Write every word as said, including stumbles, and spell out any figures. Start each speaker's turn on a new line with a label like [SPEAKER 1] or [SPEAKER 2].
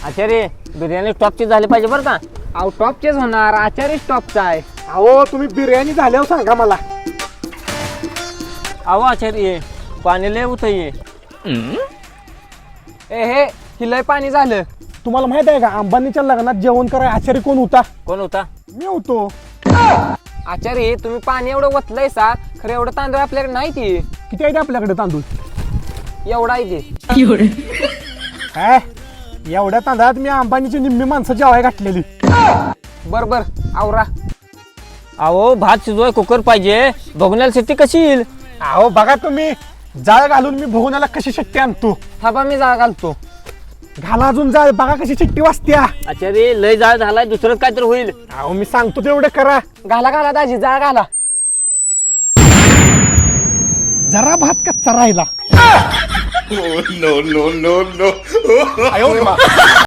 [SPEAKER 1] आचार्य बिर्याणी टॉपची झाली पाहिजे बरं का.
[SPEAKER 2] अहो टॉपचेच होणार, आचार्य टॉपचा आहे.
[SPEAKER 3] अहो तुम्ही बिर्याणी झाल्यावर सांगा मला.
[SPEAKER 1] अहो आचार्य पाणी लय उत ये.
[SPEAKER 2] ए हे ही लय पाणी झालं.
[SPEAKER 3] तुम्हाला माहित आहे का अंबानीच्या लग्नात जेवण कराय आचार्य कोण होता?
[SPEAKER 1] कोण होता?
[SPEAKER 3] मी होतो.
[SPEAKER 2] आचार्य तुम्ही पाणी एवढं वतलंय सा, खरं एवढं तांदूळ आपल्याकडे नाही ती.
[SPEAKER 3] किती आहे ते आपल्याकडे तांदूळ?
[SPEAKER 2] एवढा आहे ते.
[SPEAKER 3] काय एवढ्या तांदळात मी अंबानीची निम्मी माणसं जेवाय घातलेली.
[SPEAKER 2] बर बर आवरा.
[SPEAKER 1] अहो भात शिजवाय कुकर पाहिजे. बघण्याला शेती कशी येईल?
[SPEAKER 3] अहो बघा तुम्ही जाळ घालून मी भोगण्याला कशी शिट्टी आणतो.
[SPEAKER 2] थांबा मी जाळ घालतो.
[SPEAKER 3] घाला अजून जाळ, बघा कशी शिट्टी वाजत्या.
[SPEAKER 1] आचार्य लय जाळ झालाय, दुसरं काय तर होईल.
[SPEAKER 3] अहो मी सांगतो तेवढं करा.
[SPEAKER 2] घाला घाला दाजी जाळ घाला.
[SPEAKER 3] जरा भात कच्चा राहिला.
[SPEAKER 4] Oh, no, no, no, no.